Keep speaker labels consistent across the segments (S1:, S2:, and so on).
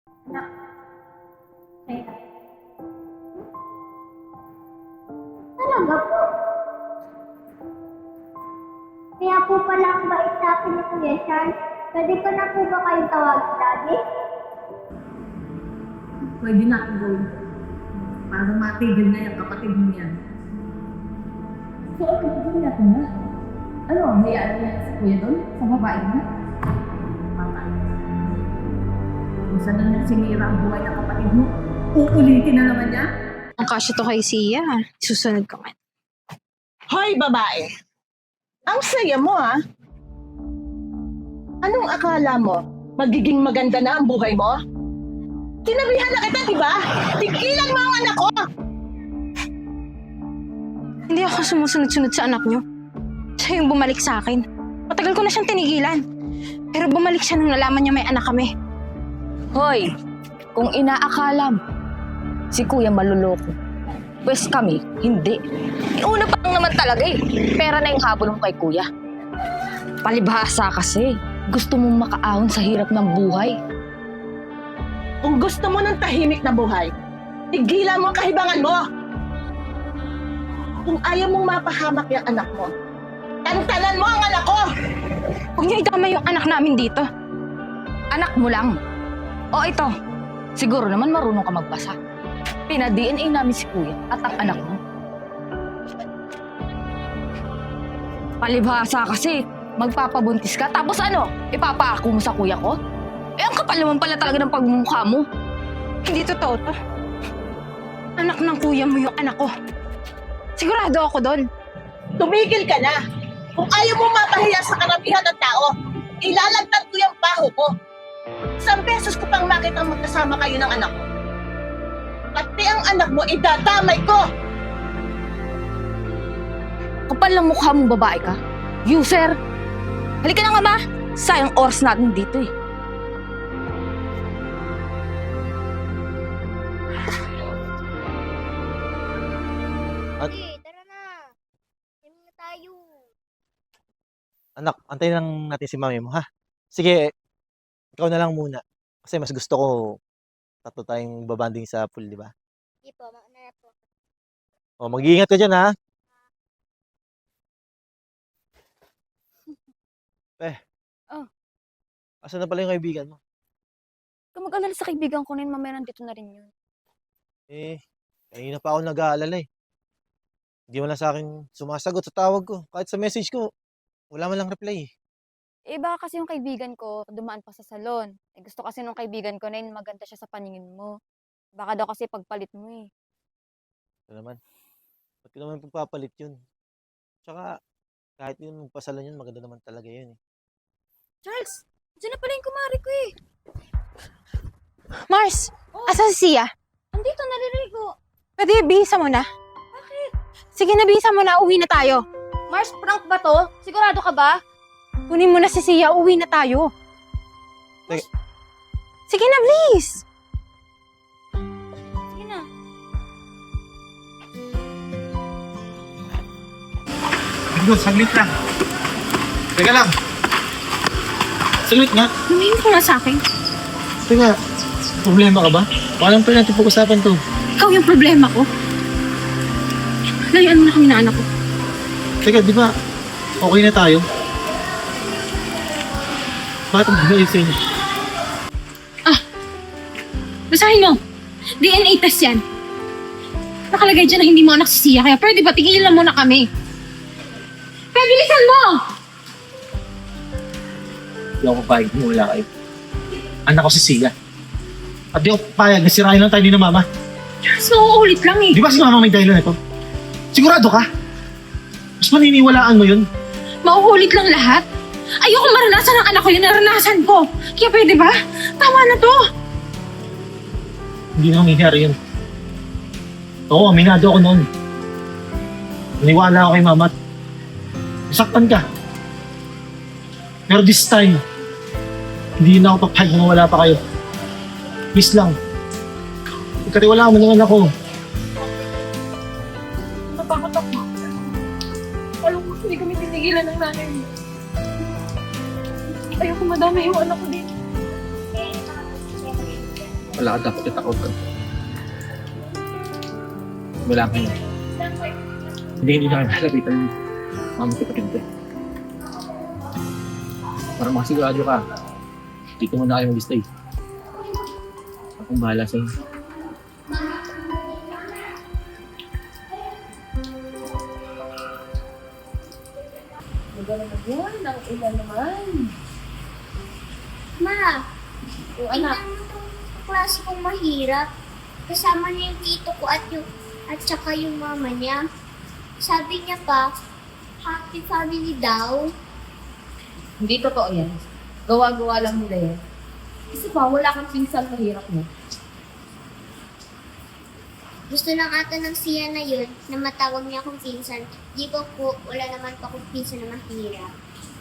S1: Anak, kaya. Talaga po. Kaya po pala ang bait sa akin ni Kuya Sean. Pwede ko na po ba kayong tawagin lagi?
S2: Pwede na akong gawin. Para matigil na yung kapatid mo yan. So, ano gawin natin na? Ano, hayaan niya si Kuya doon? Sa babae niya? Patay. Kung saan na niya sinira ang buhay ng kapatid mo, uulitin na naman niya?
S3: Ang kasya to kay Sia. Susunod ko nga.
S4: Hoy, babae! Ang saya mo, ha? Anong akala mo? Magiging maganda na ang buhay mo? Sinabihan na kita, di ba? Tigilan mo ang anak ko!
S3: Hindi ako sumusunod-sunod sa anak niyo. Siya yung bumalik sa akin. Matagal ko na siyang tinigilan. Pero bumalik siya nung nalaman niya may anak kami.
S5: Hoy, kung inaakala mo, si Kuya maluloko. Pwes kami, hindi. Una pa lang naman talaga eh. Pera na yung habol mo kay Kuya. Palibhasa kasi. Gusto mong makaahon sa hirap ng buhay.
S4: Kung gusto mo ng tahimik na buhay, tigilan mo ang kahibangan mo! Kung ayaw mong mapahamak yung anak mo, tantanan mo ang anak ko!
S3: Huwag niyo idama yung anak namin dito.
S5: Anak mo lang. O ito, siguro naman marunong ka magbasa. Pina-DNA namin si Kuya at ang anak mo. Palibhasa kasi, magpapabuntis ka, tapos ano, ipapaako mo sa kuya ko? Eh, ang kapal naman pala talaga ng pagmumukha mo.
S3: Hindi totoo to. Anak ng kuya mo yung anak ko. Sigurado ako doon.
S4: Tumigil ka na! Kung ayaw mo mapahiya sa karamihan ng tao, ilalagtad ko yung baho ko. Isang beses ko pang makitang magkasama kayo ng anak ko. Pati ang anak mo, idadamay ko!
S5: Kapal ng mukha mong babae ka. User! Halika na nga ba? Sayang oras natin dito eh.
S1: Sige, tara na. Kami na tayo.
S6: Anak, antayin lang natin si mami mo, ha? Sige, ikaw na lang muna. Kasi mas gusto ko tatlo tayong babanding sa pool, di ba?
S1: Sige po, mauna na po.
S6: O, mag-iingat ka dyan, ha?
S5: Oh.
S6: Asan na pala yung kaibigan mo?
S5: Kung mag-alala sa kaibigan ko na yun, mamaya nandito na rin yun.
S6: Eh, kanina pa ako nag-aalala eh. Hindi mo lang sa akin sumasagot sa tawag ko. Kahit sa message ko, wala man lang reply eh.
S5: Eh baka kasi yung kaibigan ko, dumaan pa sa salon. Eh gusto kasi nung kaibigan ko na yun, maganda siya sa paningin mo. Baka daw kasi pagpalit mo eh.
S6: Ito naman. Ba't ko naman pagpapalit yun? Tsaka, kahit yun magpasalan yun, maganda naman talaga yun eh.
S5: Charles, dyan na pala yung kumari ko eh.
S3: Mars, asa si Sia?
S5: Andito, naririnig ko.
S3: Pwede bihisa mo na.
S5: Bakit?
S3: Sige na, bihisa mo na. Uwi na tayo.
S5: Mars, prank ba to? Sigurado ka ba?
S3: Kunin mo na si Sia. Uwi na tayo.
S6: Sige.
S3: Sige na, please.
S5: Sige na.
S6: Ito, saglit lang. Teka lang. Saglit nga.
S3: Humihin ko nga sa akin.
S6: Teka, problema ka ba? Baka lang pala natin pag-usapan to.
S3: Ikaw yung problema ko. Layuan mo na kami na anak ko.
S6: Teka, di ba okay na tayo? Bakit ang ayusin niyo?
S3: Basahin mo. DNA test yan. Nakalagay dyan na hindi mo anak si Sia. Kaya pwede ba tigilan mo na kami? Kaya bilisan mo!
S6: Hindi ako papayag mo wala kayo. Anak ko si Sia. At di ako papayag na sirahin lang tayo ni na mama.
S3: Mas mauulit lang eh.
S6: Di ba si mama may dahilan ito? Sigurado ka? Mas maniniwalaan mo yun?
S3: Mauulit lang lahat. Ayoko maranasan ng anak ko yung naranasan ko. Kaya pwede ba? Tama na to.
S6: Hindi na mangyayari yun. Oo, aminado ako noon. Naniwala ako kay mama at nasaktan ka. Pero this time, hindi na ako papayag na wala pa kayo. Please lang. Ikatiwala mo ng anak ko.
S3: Natakot ako. Alam ko, hindi kami tinigilan ng nanay mo. Ayoko madami yung anak ko dito.
S7: Wala ka dapat itakot ka. Wala ka yun. Hindi na kami halapitan ng mama ko kapatid ko. Para makasigurado ka, dito muna kayo mag-stay. Akong bahala sa'yo.
S2: Maganda yun, ang ulan naman.
S1: Ma,
S2: O anak,
S1: tingnan mo itong klase kong mahirap. Kasama niya yung tito ko at saka yung mama niya. Sabi niya pa, happy family daw.
S2: hindi totoo yan. Gawa-gawa lang nila yan. Kasi pa, wala kang pinsan mahirap mo.
S1: Gusto lang ata ng siya na yun na matawag niya akong pinsan. Di ko po, wala naman pa akong pinsan na mahirap.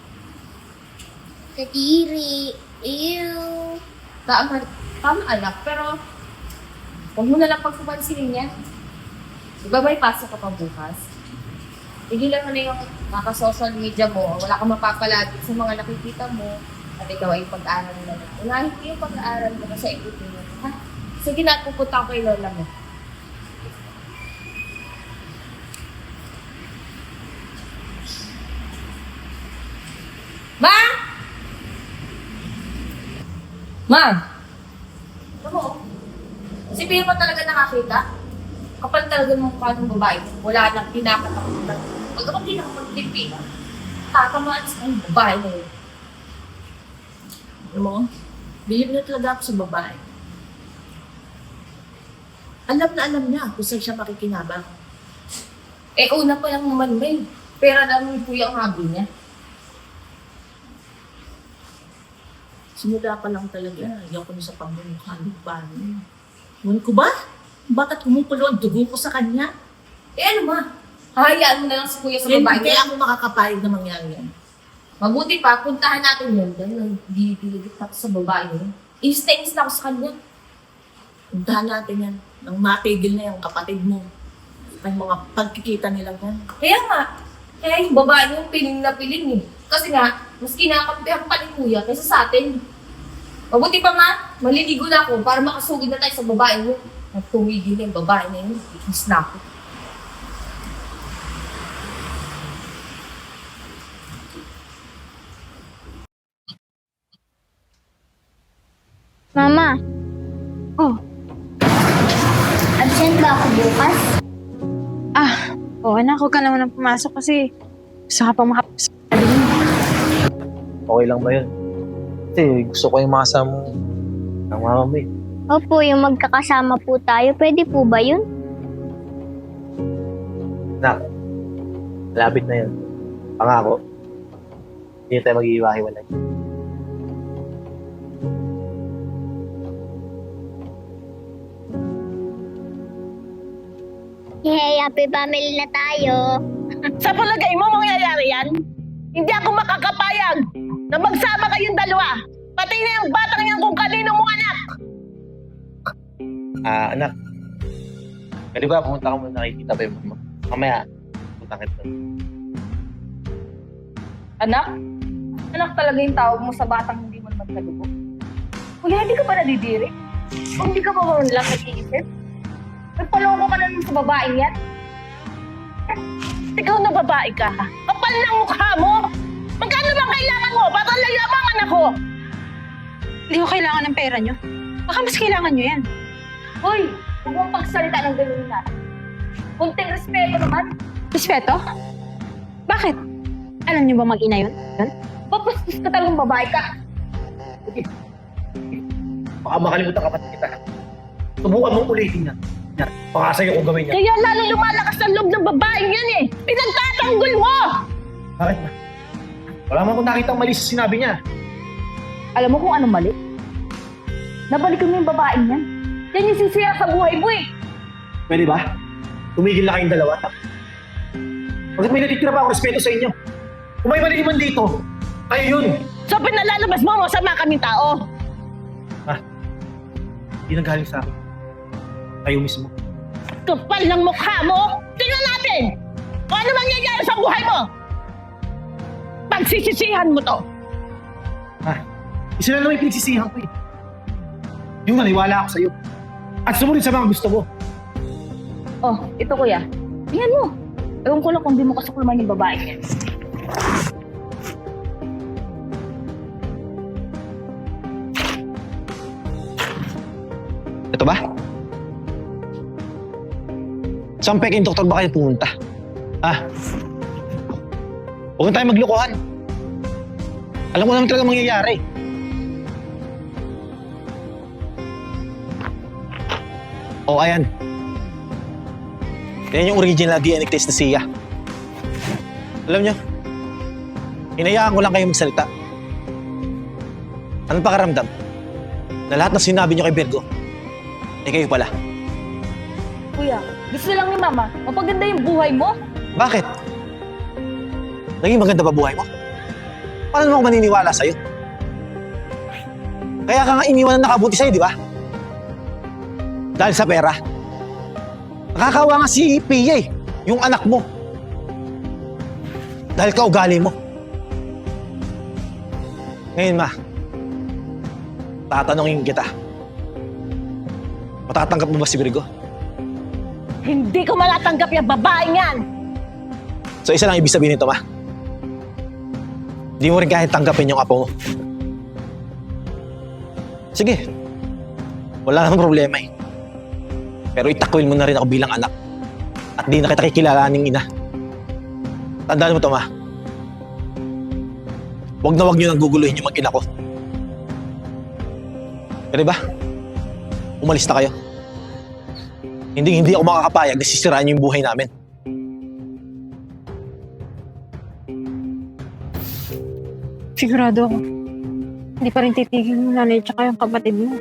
S1: Kadiri, ew.
S2: Tama anak, pero huwag mo na lang pagpapansinin yan. Ibabay pasok ka pa bukas. Tigilan mo na yung social media mo. Wala kang mapapalagi sa mga nakikita mo. At ikaw ay pag-aaral na lang. Unahin ko yung pag-aaral mo sa ikutin mo. Ha? Sige na, pupunta ko kay lola mo. Ma! Ma! Ano mo? Si Pia mo talaga nakakita? Kapal talaga ng mukha ng babae. Wala nang pinapatakutan. Pag ako pinakapagtipi, tatamaan sa ng babae na yun.
S4: Alam mo, bilib na talaga ako sa babae. Alam niya kung saan siya makikinabang.
S2: Eh, una pa lang naman may. Pera naman po yung habi niya.
S4: Simula pa lang talaga, ayaw ko na sa pamumukha ng babae niya. Ngun ko ba? Bakit kumukulo ang dugo ko sa kanya?
S2: Eh, ano ma? Hahayaan mo na lang si kuya sa babae
S4: Hindi
S2: niya.
S4: ako makakapayag na mangyari yan.
S2: Mabuti pa, puntahan natin yun. Dahil nagdidiligit ako sa babae niya. Inis na ako sa kanya.
S4: Puntahan natin yan. Nang matigil na yung kapatid mo. Ang mga pagkikita nilang yan.
S2: Kaya yung babae niya piling na piling eh. Kasi nga, mas kinakampihan pa ni kuya kaysa sa atin. Mabuti pa nga, maliligo na ako para makasugid na tayo sa babae mo. At tumigil na yung babae na yun, ikinis na ako.
S1: Mama.
S3: Oh.
S1: Absent ba ako bukas?
S3: Anak, huwag ka naman ang pumasok kasi gusto ka pang makapasok.
S6: Okay lang ba yun? Kasi gusto ko yung makasama ng mama mo eh.
S1: Opo, yung magkakasama po tayo. Pwede po ba yun?
S6: Nak, malapit na yun. Pangako, hindi tayo mag-iiwahiwalay.
S1: Hey, happy family na tayo.
S4: Sa palagay mo, mangyayari yan? Hindi ako makakapayag na magsama kayong dalawa. Pati na yung batang yan kung kanino mo anak.
S6: Anak, pwede ba pumunta ka muna kay Tita Beb mo? Mamaya, punta kita.
S2: Anak? Anak talaga yung tawag mo sa batang hindi mo naman kadugo. Kuya, hindi ka ba nadidiri? Kung hindi ka ba lang nag-iisip? Nagpaloko ka na sa babaeng yan?
S4: Ikaw na babae ka. Kapal ng mukha mo. Magkano bang kailangan mo para layabangan ako?
S3: Hindi ko kailangan ng pera nyo. Baka mas kailangan nyo yan.
S2: Hoy, huwag mong pagsalita ng ganun na. Kunting respeto naman.
S3: Respeto? Bakit? Alam nyo ba mag-ina yun?
S2: Papastos ka talagang babae ka.
S6: Baka makalimutan ka pa kita. Subukan mong ulitin yan. Yan, baka sa'yo kung gawin yan.
S4: Kaya lalo lumalakas ang loob ng babaeng yan eh. Pinagtatanggol mo!
S6: Bakit ba? Wala man akong nakitang mali sa sinabi niya.
S2: Alam mo kung anong mali? Nabalikan mo yung babaeng yan. Yan yung sisira sa buhay mo eh.
S6: Pwede ba? Tumigil na kayong dalawa. Bakit may natitira pa ako respeto sa inyo? Kung may mali man dito, kayo yun.
S4: So pinalalabas mo, masama kaming tao.
S6: Hindi nanggaling sa akin. Kayo mismo.
S4: Kapal ng mukha mo. Tingnan natin kung ano mangyayari sa buhay mo. Pagsisisihan mo to.
S6: Isa na naman yung pinagsisihan ko eh. Yung maniwala ako sa'yo. At sumunod sa mga gusto mo.
S5: Oh, ito kuya. Tingnan mo. Ewan ko lang kung di mo kasukulman yung babae niya.
S6: Ito ba? Saan peking doktor ba kayo pumunta? Ha? Huwag na tayo maglokohan. Alam ko naman talaga mangyayari. O, ayan. Yan yung original DNA test na siya. Alam nyo, hinayaan ko lang kayo magsalita. Anong pakaramdam? Na lahat ng sinabi nyo kay Virgo, eh kayo pala.
S5: Kuya, gusto lang ni mama, mapaganda yung buhay mo.
S6: Bakit? Naging maganda ba buhay mo? Paano naman ako maniniwala sa'yo? Kaya ka nga iniwan na nakabuti sa'yo, di ba? Dahil sa pera. Nakakawa nga si Pia yung anak mo. Dahil kaugali mo. Ngayon, ma, tatanungin kita. Matatanggap mo ba si Virgo?
S4: Hindi ko malatanggap yung babaeng yan!
S6: So isa lang ibig sabihin nito, ma. Hindi mo rin kahit tanggapin yung apo mo. Sige. Wala namang problema eh. Pero itakwil mo na rin ako bilang anak. At di na kita kikilalaning ina. Tandaan mo to, ma. Huwag na huwag nyo nang guguluhin yung mag-ina ko. Pero ba? Umalis na kayo. Hindi ako makakapayag na sisiraan nyo yung buhay namin.
S3: Sigurado ako. Hindi pa rin titigil yung nanay tsaka yung kapatid mo.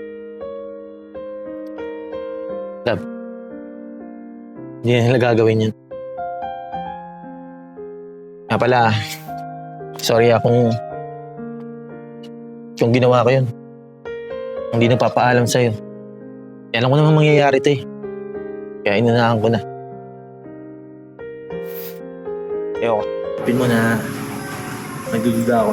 S6: Hindi na nila gagawin yun. Nga pala, sorry kung ginawa ko yun. Hindi nagpapaalam sa'yo. Alam ko naman mangyayari ito eh. Kaya inunahan ko na. Ewan ko. Pin mo na nagdududa ako.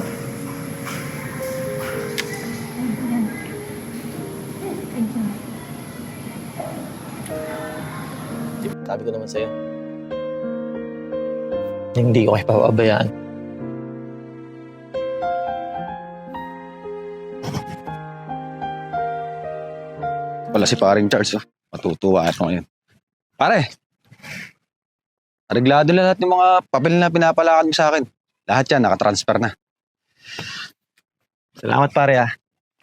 S6: Sabi ko naman sa'yo. Hindi ko kayo papabayaan.
S8: Wala si paring Charles, oh. Matutuwa ako ngayon. Pare, areglado na lahat ng mga papel na pinapalakad mo sa akin. Lahat yan, nakatransfer na.
S6: Salamat pare ah.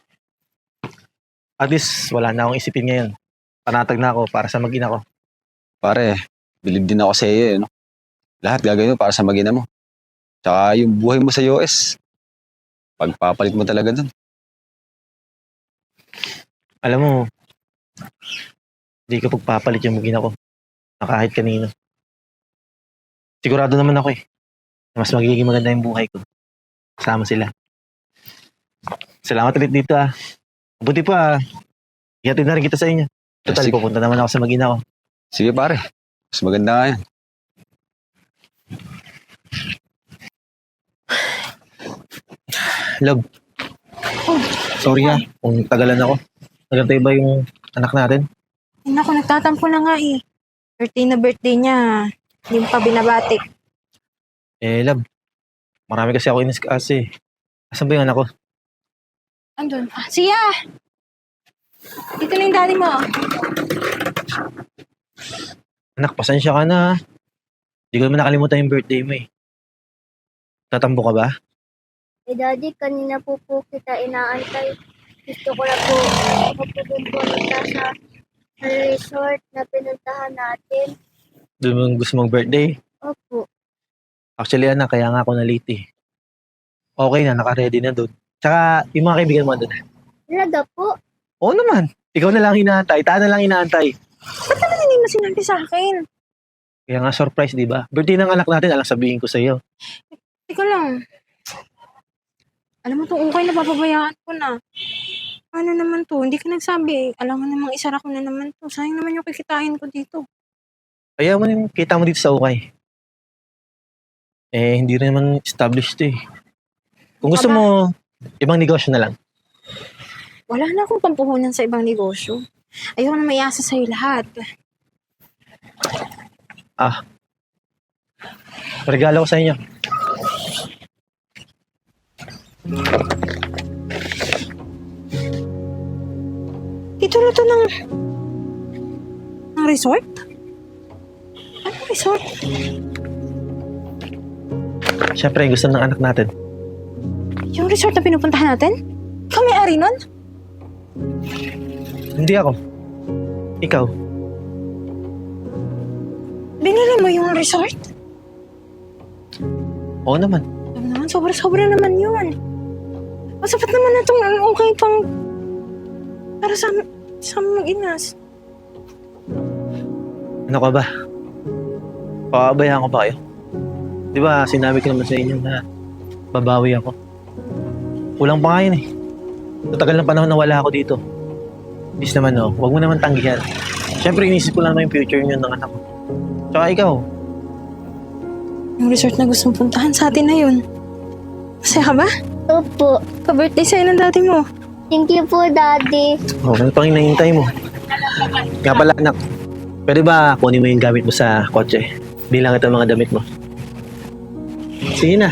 S6: At least wala na akong isipin ngayon. Panatag na ako para sa mag-ina ko.
S8: Pare, bilib din ako sa iyo, no? Lahat gagawin mo para sa mag-ina mo. Tsaka yung buhay mo sa US, pagpapalit mo talaga dun.
S6: Alam mo, hindi ko pagpapalit yung mag-ina ko na kahit kanino. Sigurado naman ako eh, na mas magiging maganda yung buhay ko. Kasama sila. Salamat ulit dito ah. Mabuti pa, ihatid na rin kita sa inyo. Total,
S8: Sige.
S6: pupunta naman ako sa mag-ina ko.
S8: Sige pare, mas maganda nga yan.
S6: Love. Sorry ah, kung tagalan ako. Nagantay ba yung anak natin?
S3: Ay, naku, nagtatampo na nga eh. 13 na birthday niya. Hindi mo pa binabati.
S6: Eh, love. Marami kasi ako inis-kasi. Asan ba yung anak ko?
S3: Andun. Siya! Dito na yung daddy mo.
S6: Anak, pasensya ka na. Hindi ko naman nakalimutan yung birthday mo eh. Tatambo ka ba?
S1: Eh, Daddy, kanina po kita inaantay. Gusto ko na po pupunta sa resort na pinuntahan natin.
S6: Doon mo gusto mong birthday?
S1: Opo.
S6: Actually, anak, kaya nga ako na late eh. Okay na, naka-ready na doon. Tsaka, yung mga kaibigan mo doon.
S1: Talaga po.
S6: Oo naman. Ikaw na lang inaantay. Taan na lang inaantay.
S3: Hindi mo sinabi sa akin.
S6: Kaya nga surprise, di ba? Birthday ng anak natin, alang sabihin ko sa iyo.
S3: Teka lang. Alam mo itong ukay na papabayaan ko na. Ano naman to? Hindi ka nagsabi. Alam mo namang isara ko na naman to. Sayang naman yung kikitain ko dito.
S6: Kaya mo yung kita mo dito sa ukay. Eh, hindi rin naman established to eh. Kung gusto mo, ibang negosyo na lang.
S3: Wala na akong pampuhunan sa ibang negosyo. Ayoko na maiasa sa'yo lahat.
S7: Regalo ko sa inyo.
S3: Titulo to ng resort? Anong resort?
S7: Siyempre, gusto ng anak natin.
S3: Yung resort na pinupuntahan natin? Ikaw may-ari nun?
S7: Hindi ako. Ikaw.
S3: Binili mo yung resort?
S7: Oo naman.
S3: Alam naman, sobra-sobra naman yun. Masapat naman na itong okay pang para sa mag-inas.
S7: Ano ka ba? Pakabayaan ko ba kayo? Di ba, sinabi ko naman sa inyo na babawi ako. Kulang pa nga yun eh. Sa tagal ng panahon na wala ako dito. Please naman huwag mo naman tanggihan. Siyempre, inisip ko lang na yung future niyo ng anak ko. Tsaka ikaw,
S3: Yung resort na gusto mong puntahan sa atin na yun. Masaya ka ba?
S1: Opo.
S3: Pa-birthday sa'yo ng dati mo.
S1: Thank you po, Daddy.
S7: ano pang hinahintay mo? Nga pala anak, pwede ba kunin mo yung gamit mo sa kotse? Bilang ito mga damit mo. Sige na.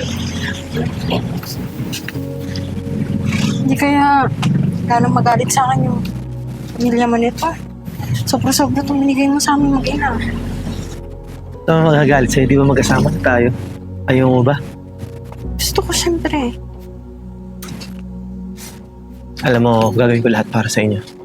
S3: Hindi kaya lalong magalit sa akin yung pamilya mo nito. Sobra-sobra itong binigay mo sa amin mag-ina.
S7: Ito ang magagalit sa'yo, di ba magkasama na tayo? Ayaw mo ba?
S3: Gusto ko siyempre.
S7: Alam mo, gagawin ko lahat para sa inyo.